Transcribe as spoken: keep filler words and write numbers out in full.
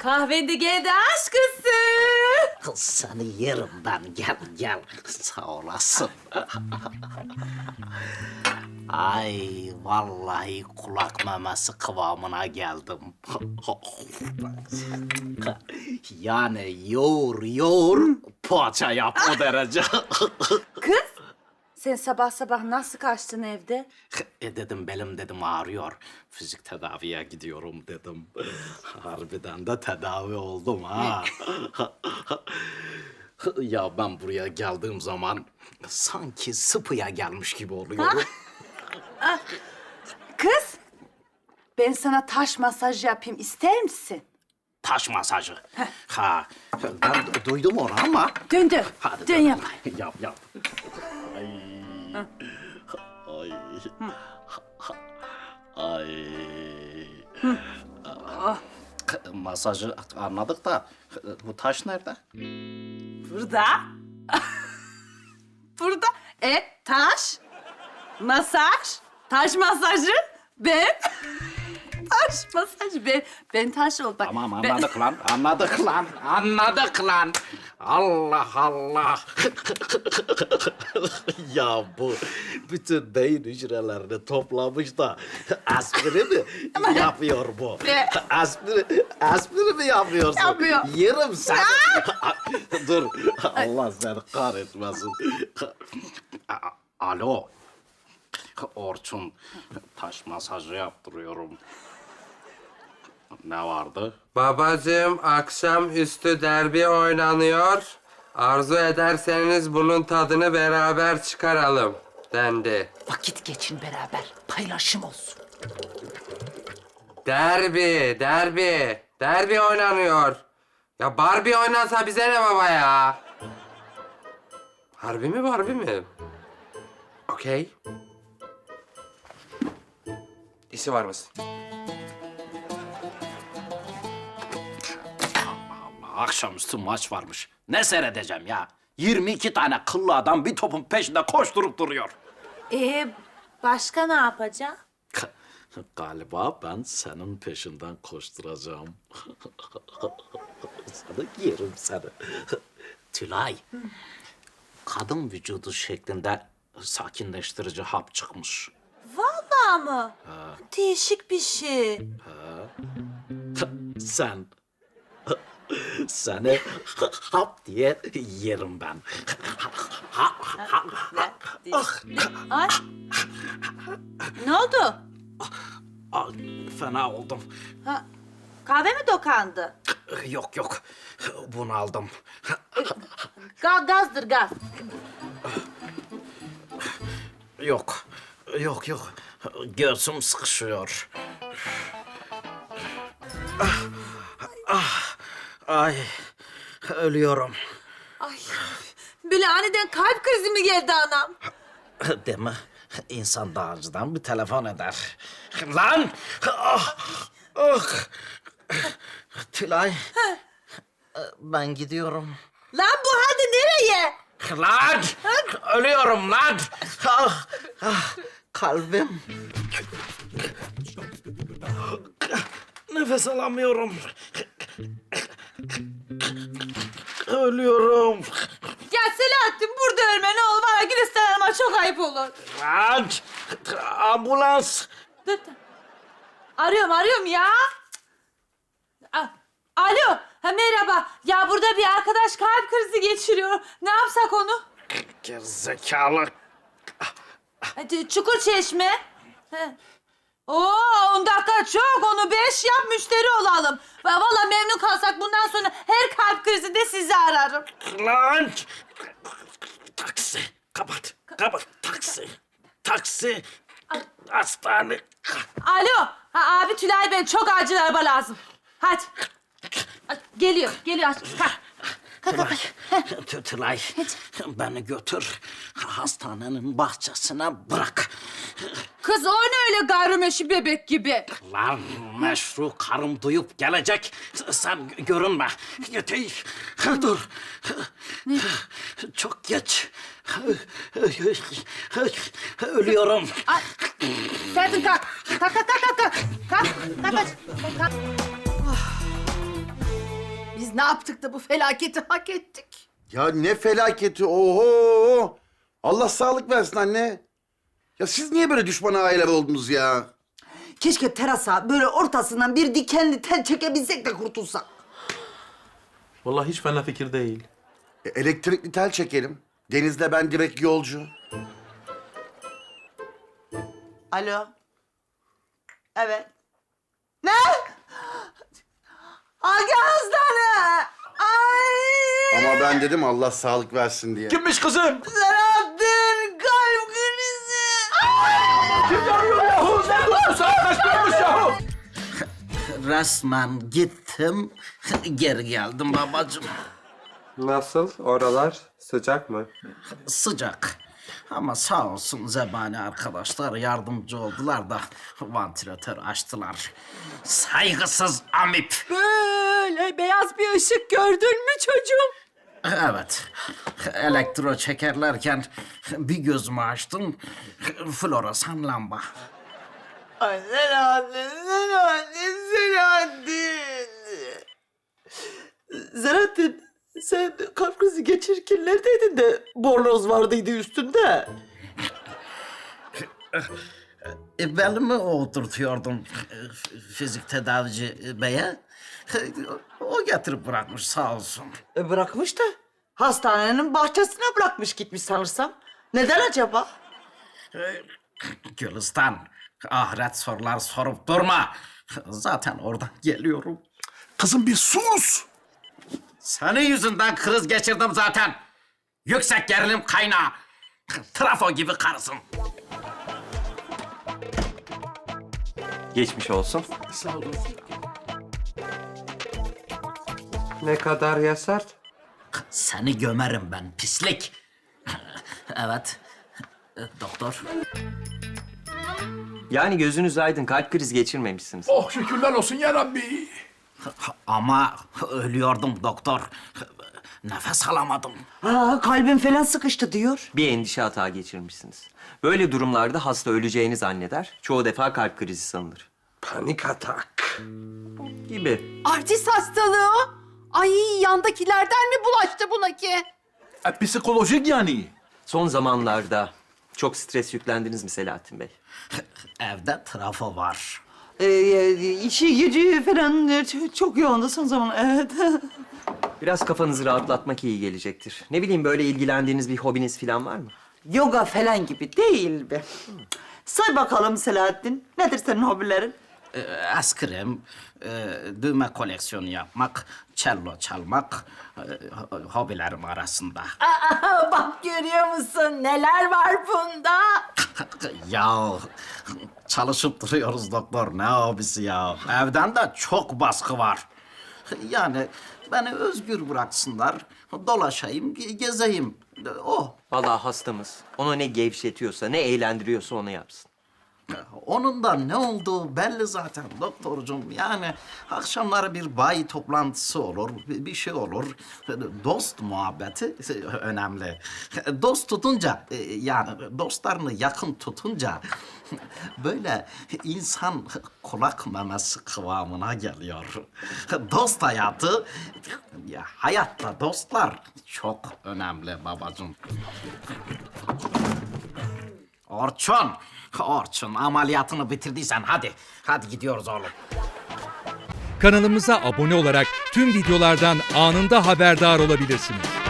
Kahvede geldi aşkısı. Seni yerim ben. Gel gel. Sağ olasın. Ay vallahi kulak memesi kıvamına geldim. Yani yoğur yoğur poğaça yap o derece. Kız, sen sabah sabah nasıl kaçtın evde? E dedim belim dedim ağrıyor. Fizik tedaviye gidiyorum dedim. Harbiden de tedavi oldum ha. Ya ben buraya geldiğim zaman sanki sıpıya gelmiş gibi oluyorum. Kız, ben sana taş masaj yapayım, ister misin? Taş masajı. Ha, ben duydum onu ama. Dön dön, Hadi dön dön. yap. Yap yap. Ay. Ay. Ay. Masajı anladık da bu taş nerede? Burada. Burada. E, taş, masaj, taş masajı, ben. Taş masaj, ben. Ben taş ol. Bak, Tamam ben- anladık lan, anladık lan, anladık lan. Allah Allah. Ya bu bütün beyin hücrelerini toplamış da aspiri mi yapıyor bu? Ne? Aspiri, aspiri mi yapıyorsun? Yapıyor. Yerim seni. Dur, Allah seni kahretmesin. A- Alo. Orçun, taş masajı yaptırıyorum. Ne vardı? Babacığım, akşamüstü derbi oynanıyor. Arzu ederseniz bunun tadını beraber çıkaralım dendi. Vakit geçin beraber, paylaşım olsun. Derbi, derbi, derbi oynanıyor. Ya Barbie oynansa bize ne baba ya? Harbi mi, Barbie mi? Okey. İşi var mısın? Allah, akşamüstü maç varmış. Ne seyredeceğim ya? yirmi iki tane kıllı adam bir topun peşinde koşturup duruyor. Ee, başka ne yapacağım? Galiba ben senin peşinden koşturacağım. Sana yerim seni. Tülay, kadın vücudu şeklinde sakinleştirici hap çıkmış. Vallahi mı? Değişik bir şey. Sen, seni hap diye yerim ben. Ay. Ne oldu? Ay, fena oldum. Ha, kahve mi dokandı? Yok yok, bunu aldım. Ga gazdır gaz. Yok, yok yok. Göğsüm sıkışıyor. Ah, ah, ay, ölüyorum. Ay. Böyle aniden kalp krizi mi geldi anam? Değil mi? İnsan daha önceden bir telefon eder. Lan! Ah, ah. Tülay, ben gidiyorum. Lan bu halde nereye? Lan! Ölüyorum lan! Ah, ah, kalbim. Nefes alamıyorum. Ölüyorum. Ya Selahattin burada ölme ne olur bana Gülistan Hanım'a çok ayıp olur. Lan! Ambulans! Dur, dur. Arıyorum arıyorum ya. A- Alo, ha, merhaba. Ya burada bir arkadaş kalp krizi geçiriyor. Ne yapsak onu? Gerizekalı. Hadi Çukur Çeşme. He. Oo, on dakika çok. Onu beş yap, müşteri olalım. Va- Vallahi memnun kalsak bundan sonra her kalp krizinde sizi ararım. Lan! Taksi. Kapat. Kapat. Taksi. Taksi. Hastane. Alo, ha, abi Tülay ben çok acil araba lazım. Hadi. Ay, Geliyor, geliyor. Aç. Kalk. Kalk, kalk, kalk. Tü- Tülay, beni götür. Hastanenin bahçesine bırak. Kız o ne öyle gayrimeşru bebek gibi? Lan meşru karım duyup gelecek. Sen gö- görünme. Yeter. Dur. Çok geç. Ölüyorum. Ay, Sertin kalk. Kalk, kalk, kalk, kalk. Kalk, kalk, kalk. kalk. ne yaptık da bu felaketi hak ettik? Ya ne felaketi, oho! Allah sağlık versin anne. Ya siz niye böyle düşman aileler oldunuz ya? Keşke terasa böyle ortasından bir dikenli tel çekebilsek de kurtulsak. Vallahi hiç fena fikir değil. E, elektrikli tel çekelim. Deniz'le ben direkt yolcu. Alo. Evet. Ne? Hangi hastane? Ay! Ama ben dedim Allah sağlık versin diye. Kimmiş kızım? Selahattin kalp krizi. Kim yanıyor yahu? Bu saat kaçtırmış yahu? Resmen gittim, geri geldim babacığım. Nasıl? Oralar sıcak mı? Sıcak. Ama sağ olsun zebani arkadaşlar yardımcı oldular da vantilatör açtılar. Saygısız amip. Böyle beyaz bir ışık gördün mü çocuğum? Evet. Elektro çekerlerken bir gözümü açtım. Floresan lamba. Ay Selahattin, Selahattin, Selahattin. Selahattin, sen kalp krizi geçirirken neredeydin de bornoz vardıydı üstünde? E, belimi oturtuyordum e, fizik tedavici beye. O getirip bırakmış sağ olsun. E bırakmış da hastanenin bahçesine bırakmış gitmiş sanırsam. Neden acaba? Gülistan, ahiret sorular sorup durma. Zaten oradan geliyorum. Kızım bir sus! Senin yüzünden kriz geçirdim zaten. Yüksek gerilim kaynağı. Trafo gibi karısın. Geçmiş olsun. Sağ olun. Ne kadar Yasar? Seni gömerim ben pislik. Evet. Doktor. Yani gözünüz aydın, kalp krizi geçirmemişsiniz. Oh şükürler olsun ya Rabbi. Ama ölüyordum doktor. Nefes alamadım. Aa, kalbim falan sıkıştı diyor. Bir endişe hata geçirmişsiniz. Böyle durumlarda hasta öleceğini zanneder. Çoğu defa kalp krizi sanılır. Panik atak. Gibi. Artist hastalığı o. Ay yandakilerden mi bulaştı buna ki? E, psikolojik yani. Son zamanlarda çok stres yüklendiniz mi Selahattin Bey? Evde trafo var. Ee, işi gücü falan e, çok yoğundu son zaman. Evet. Biraz kafanızı rahatlatmak iyi gelecektir. Ne bileyim, böyle ilgilendiğiniz bir hobiniz falan var mı? Yoga falan gibi değil be. Say bakalım Selahattin. Nedir senin hobilerin? Ee, eskrim, e, düğme koleksiyonu yapmak, cello çalmak e, ho- hobilerim arasında. Aa, bak görüyor musun neler var bunda? Ya çalışıp duruyoruz doktor, ne hobisi ya? Evden de çok baskı var. Yani beni özgür bıraksınlar, dolaşayım, ge- gezeyim. O. Vallahi hastamız onu ne gevşetiyorsa, ne eğlendiriyorsa onu yapsın. Onun da ne olduğu belli zaten doktorcum. Yani akşamları bir bayi toplantısı olur, bir bir şey olur. Dost muhabbeti önemli. Dost tutunca, yani dostlarını yakın tutunca böyle insan kulak memesi kıvamına geliyor. Dost hayatı, ya hayatta dostlar çok önemli babacığım. Orçun, Orçun ameliyatını bitirdiysen hadi. Hadi gidiyoruz oğlum. Kanalımıza abone olarak tüm videolardan anında haberdar olabilirsiniz.